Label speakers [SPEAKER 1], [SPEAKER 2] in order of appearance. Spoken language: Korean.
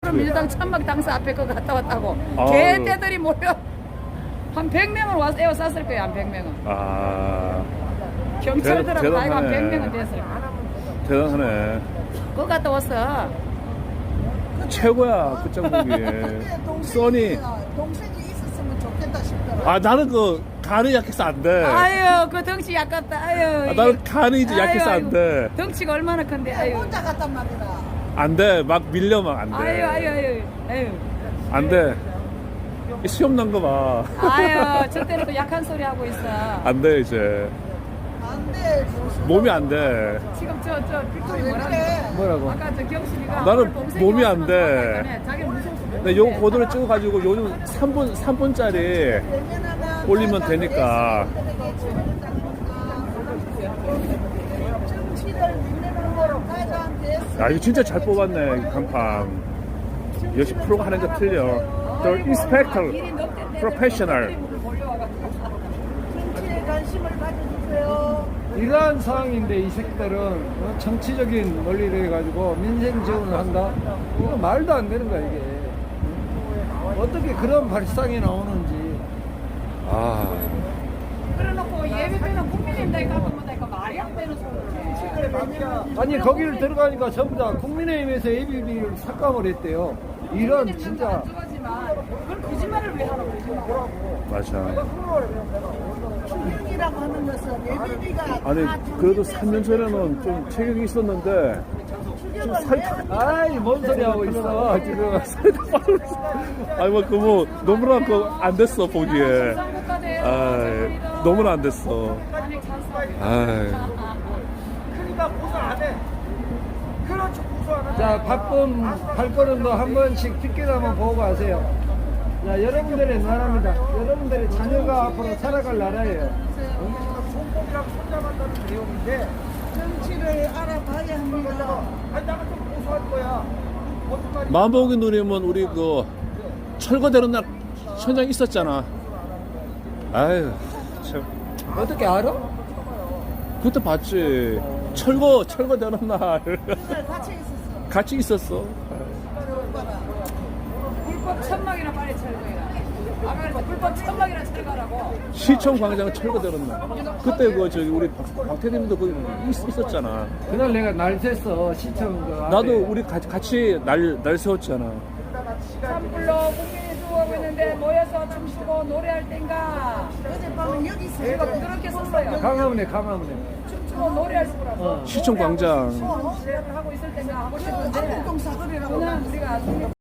[SPEAKER 1] 민주당 천막 당사 앞에 거 갔다 왔다고.
[SPEAKER 2] 아유.
[SPEAKER 1] 개떼들이 모여 한 100명은 와서 에워쌌을 거예요. 한 100명은.
[SPEAKER 2] 아,
[SPEAKER 1] 경찰들하고 나이가 한
[SPEAKER 2] 대단하네.
[SPEAKER 1] 100명은 됐을 거예요.
[SPEAKER 2] 대단하네.
[SPEAKER 1] 그거 갔다 왔어.
[SPEAKER 2] 최고야, 끝장보기. 써니.
[SPEAKER 3] 동생이 있었으면 좋겠다 싶더라.
[SPEAKER 2] 아, 나는 그, 간이 약해서 안 돼.
[SPEAKER 1] 아유, 그 덩치 약깝다. 아유.
[SPEAKER 2] 아, 나는 간이 이제
[SPEAKER 1] 아유,
[SPEAKER 2] 약해서 안
[SPEAKER 1] 아이고.
[SPEAKER 2] 돼.
[SPEAKER 1] 덩치가 얼마나 큰데. 아유.
[SPEAKER 3] 혼자 갔단 말이다.
[SPEAKER 2] 안 돼. 막 밀려면 안 돼.
[SPEAKER 1] 아유, 아유, 아유. 아유.
[SPEAKER 2] 안 돼. 이 시험 난 거 봐.
[SPEAKER 1] 아유, 저때는 또 약한 소리 하고 있어.
[SPEAKER 2] 안 돼, 이제.
[SPEAKER 3] 안 돼.
[SPEAKER 2] 몸이 안 돼.
[SPEAKER 1] 지금 저 빅토리
[SPEAKER 3] 왜
[SPEAKER 1] 뭐라는
[SPEAKER 3] 그래?
[SPEAKER 2] 뭐라고?
[SPEAKER 1] 아까 저 경숙이가
[SPEAKER 2] 나는
[SPEAKER 1] 동생이
[SPEAKER 2] 몸이
[SPEAKER 1] 와서
[SPEAKER 2] 안 돼.
[SPEAKER 1] 좋아했다며. 자기는 무서워서 못
[SPEAKER 2] 근데 요
[SPEAKER 1] 해.
[SPEAKER 2] 고도를 찍어가지고 요즘 3분짜리 올리면 되니까.
[SPEAKER 3] 정치를 믿는 거로 가장
[SPEAKER 2] 야, 이거 진짜 잘 뽑았네, 이 간판. 역시 프로가 하는 거 틀려. The Inspector, Professional.
[SPEAKER 3] 정치에 관심을 가져주세요.
[SPEAKER 4] 이러한 상황인데 이 새끼들은 정치적인 논리를 해가지고 민생 지원을 한다? 이거 말도 안 되는 거야 이게. 어떻게 그런 발상이 나오는지.
[SPEAKER 2] 아,
[SPEAKER 1] 그래놓고 예비비는 국민의힘당에 가보면 말이 안 되는 소리를 해.
[SPEAKER 4] 아니 거기를 들어가니까 전부 다 국민의힘에서 ABB를 삭감을 했대요. 이런 진짜.
[SPEAKER 1] 안 좋아하지만 그걸 거짓말을 왜 하라고 거짓말.
[SPEAKER 2] 맞아.
[SPEAKER 3] 충격이라고 하는 것은 예비비가
[SPEAKER 2] 아니, 그래도 3년 전에는 좀 체격이 있었는데, 지금 살이 다,
[SPEAKER 4] 아이 뭔 소리 하고 있어 지금.
[SPEAKER 2] 살이 다 빠졌어. 아니, 뭐, 너무나 안 됐어, 보기에. 아이, 너무나 안 됐어. 아이.
[SPEAKER 4] 자 바쁜 발걸음도 한 번씩 뒷길 보고 가세요. 자 여러분들의 나라입니다. 여러분들의 자녀가 앞으로 살아갈 나라예요.
[SPEAKER 3] 종목이랑 손잡았다는 내용인데 정치를 알아봐야 합니다.
[SPEAKER 4] 아니 나가 좀 고소할 거야.
[SPEAKER 2] 마음먹은 누님은 우리 그 철거되는 날 현장 있었잖아. 아유, 참.
[SPEAKER 4] 어떻게 알아?
[SPEAKER 2] 그때 봤지. 철거되는 날.
[SPEAKER 3] 같이 있었어.
[SPEAKER 2] 같이 있었어.
[SPEAKER 3] 오빠가.
[SPEAKER 1] 불법 천막이나 빨리 철거해라. 아까 그래서 불법 천막이나 철거하라고.
[SPEAKER 2] 시청 광장 철거되는 날. 그때 그 저기 우리 박태림도 거기 있었잖아.
[SPEAKER 4] 그날 내가 날 셌어 시청 그 앞에.
[SPEAKER 2] 나도 우리 같이 날 세웠잖아.
[SPEAKER 1] 산불로 국민이 죽어가고 있는데 모여서 춤추고 노래할 땐가.
[SPEAKER 3] 어젯밤은 여기 있어요.
[SPEAKER 1] 제가 그렇게 썼어요.
[SPEAKER 4] 강화문에
[SPEAKER 1] 춤추고 노래할 거라고.
[SPEAKER 2] 시청 광장.
[SPEAKER 1] 노래를 하고 있을 땐가 하고 싶은데
[SPEAKER 3] 아동사거리라고.
[SPEAKER 1] 그냥 우리가